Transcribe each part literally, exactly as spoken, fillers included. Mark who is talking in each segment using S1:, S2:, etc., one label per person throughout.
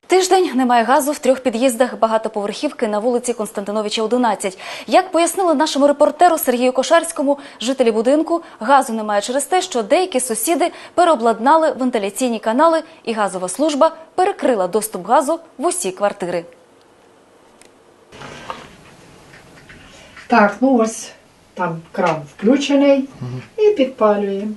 S1: Тиждень немає газу в трьох під'їздах багатоповерхівки на вулиці Константиновича, одинадцять. Як пояснили нашому репортеру Сергію Кошарському, жителі будинку, газу немає через те, що деякі сусіди переобладнали вентиляційні канали і газова служба перекрила доступ газу в усі квартири.
S2: Так, ну ось там кран включений і підпалюємо.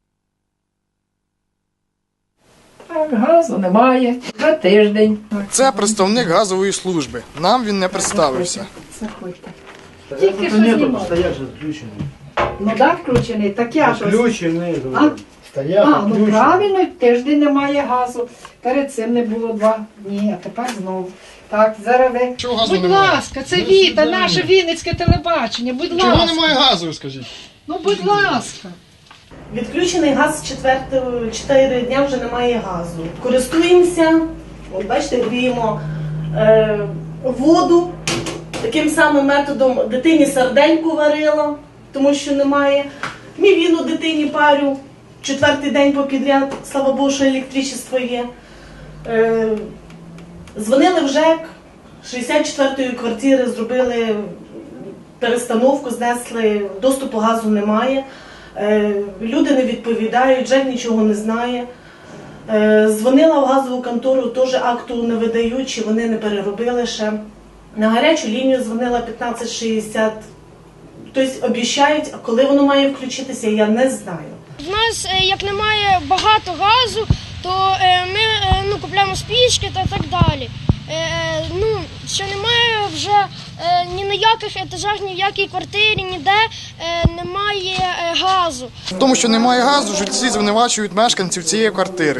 S2: Так, газу немає. Вже тиждень.
S3: Це представник газової служби. Нам він не представився.
S2: Заходьте. Тільки що знімав.
S4: Стоять же включений.
S2: Ну так, включений. Так я ж ось.
S4: Включений.
S2: А?
S4: Стоять,
S2: А, ну правильно, тиждень немає газу. Перед цим не було два дні, а тепер знову. Так, зараз ви...
S3: Чого газу
S2: Будь
S3: немає?
S2: ласка, це Віта, наше Вінницьке телебачення, будь ласка.
S3: Чого немає газу, скажіть?
S2: Ну, будь ласка.
S5: Відключений газ з четвертого, чотири дня вже немає газу. Користуємося, от бачите, гріємо е, воду. Таким самим методом дитині сардельку варила, тому що немає. Мівіну дитині парю, четвертий день попідряд, слава Богу, що електричество є. Е, дзвонили в ЖЕК, шістдесят четвертої квартири зробили перестановку, знесли, доступу газу немає. Люди не відповідають, ЖЕК нічого не знає. Дзвонила в газову контору, теж акту не видають, чи вони не переробили ще. На гарячу лінію дзвонила п'ятнадцять шістдесят. Тобто обіцяють, а коли воно має включитися, я не знаю.
S6: В нас, як немає багато газу, то ми ну, купуємо спічки та так далі. Ну, що немає вже ні на яких етажах, ні в якій квартирі, ніде немає газу.
S3: В тому, що немає газу, жильці звинувачують мешканців цієї квартири.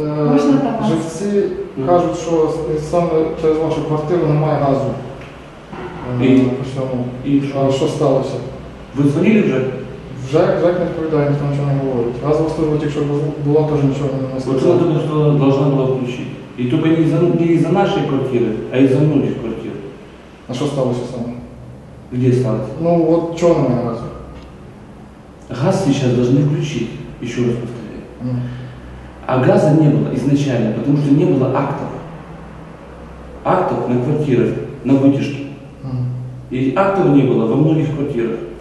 S7: Жильці кажуть, що саме через вашу квартиру немає газу.
S8: І,
S7: і що? що сталося?
S8: Ви дзвонили вже?
S7: Вже ЖЕК не відповідає, ніхто нічого не говорить. Газова служба, якщо була, теж нічого не сказала.
S8: Вот я думаю, что должна была включить. И только не из-за не из-за нашей квартиры, а из-за многих квартир.
S7: А що сталося саме?
S8: Где осталось?
S7: Ну от чого немає газу?
S8: Газ сейчас должны включить, еще раз повторяю.
S7: Mm.
S8: А газа не было изначально, потому что не было актов. Актов на квартирах, на вытяжке.
S7: Mm.
S8: И актов не было во многих квартирах.